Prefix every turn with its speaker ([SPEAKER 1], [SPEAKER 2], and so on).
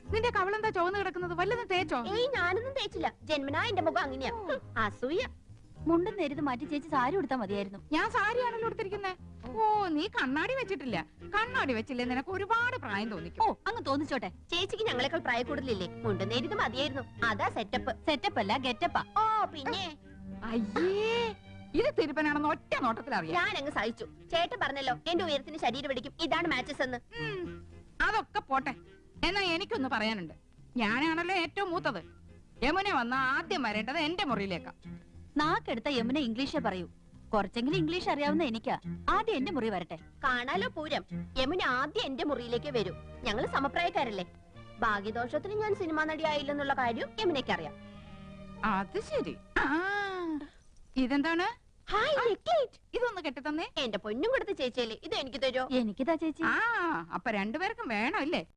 [SPEAKER 1] നിന്റെ കവളെന്താ ചോന്ന് കിടക്കുന്നത്? വല്ലതും തേച്ചോ?
[SPEAKER 2] ഏയ് ഞാനൊന്നും തേച്ചില്ല. ജന്മനാ എന്റെ മുഖം അങ്ങനെയാ. അസൂയ.
[SPEAKER 3] മുണ്ടും നേരിത് മാറ്റി ചേച്ചി സാരി ഉടുത്താ മതിയായിരുന്നു.
[SPEAKER 1] ഞാൻ സാരിയാണല്ലോ എടുത്തിരിക്കുന്നത്. ഓ, നീ കണ്ണാടി വെച്ചിട്ടില്ല. കണ്ണാടി വെച്ചില്ലേ നിനക്ക് ഒരുപാട് പ്രായം തോന്നിക്കും.
[SPEAKER 3] ഓ, അങ്ങ് തോന്നിച്ചോട്ടെ.
[SPEAKER 2] ചേച്ചിക്ക് ഞങ്ങളെക്കാൾ പ്രായ കൂടുതലില്ലേ? മുണ്ടും നേരിത് മതിയായിരുന്നു. അതാ സെറ്റപ്പ്.
[SPEAKER 3] സെറ്റപ്പ് അല്ല, ഗെറ്റപ്പാ.
[SPEAKER 2] ഓ പിന്നെ
[SPEAKER 1] അയ്യേ, ഇത് തിരുപ്പനാണെന്ന് ഒറ്റ നോട്ടത്തിൽ അറിയാം.
[SPEAKER 2] ഞാൻ അങ്ങ് സഹിച്ചു. ചേട്ടൻ പറഞ്ഞല്ലോ എന്റെ ഉയരത്തിന് ശരീരം പിടിക്കും, ഇതാണ് മാച്ചസ് എന്ന്.
[SPEAKER 1] അതൊക്കെ പോട്ടെ. എന്നാ എനിക്കൊന്ന് പറയാനുണ്ട്. ഞാനാണല്ലോ ഏറ്റവും മൂത്തത്. യമുന വന്ന ആദ്യം വരേണ്ടത് എന്റെ മുറിയിലേക്കാ.
[SPEAKER 3] നാക്കെടുത്ത യമുന ഇംഗ്ലീഷേ പറയൂ. കുറച്ചെങ്കിലും ഇംഗ്ലീഷ് അറിയാവുന്ന എനിക്കാ. ആദ്യം എന്റെ മുറി വരട്ടെ.
[SPEAKER 2] കാണാലോ പൂരം. യമുന ആദ്യം എന്റെ മുറിയിലേക്ക് വരൂ. ഞങ്ങള് സമപ്രായക്കാരല്ലേ. ഭാഗ്യദോഷത്തിന് ഞാൻ സിനിമാ നടിയായില്ലെന്നുള്ള കാര്യം യമുനയ്ക്ക് അറിയാം.
[SPEAKER 1] അത് ശരി. ഇതെന്താണ്? ഇതൊന്ന് കെട്ടിത്തന്നേ.
[SPEAKER 2] എന്റെ പൊന്നും കൊടുത്ത ചേച്ചിയല്ലേ, ഇത് എനിക്ക് തരുമോ?
[SPEAKER 3] എനിക്കിതാ ചേച്ചി.
[SPEAKER 1] അപ്പൊ രണ്ടുപേർക്കും വേണോ ഇല്ലേ?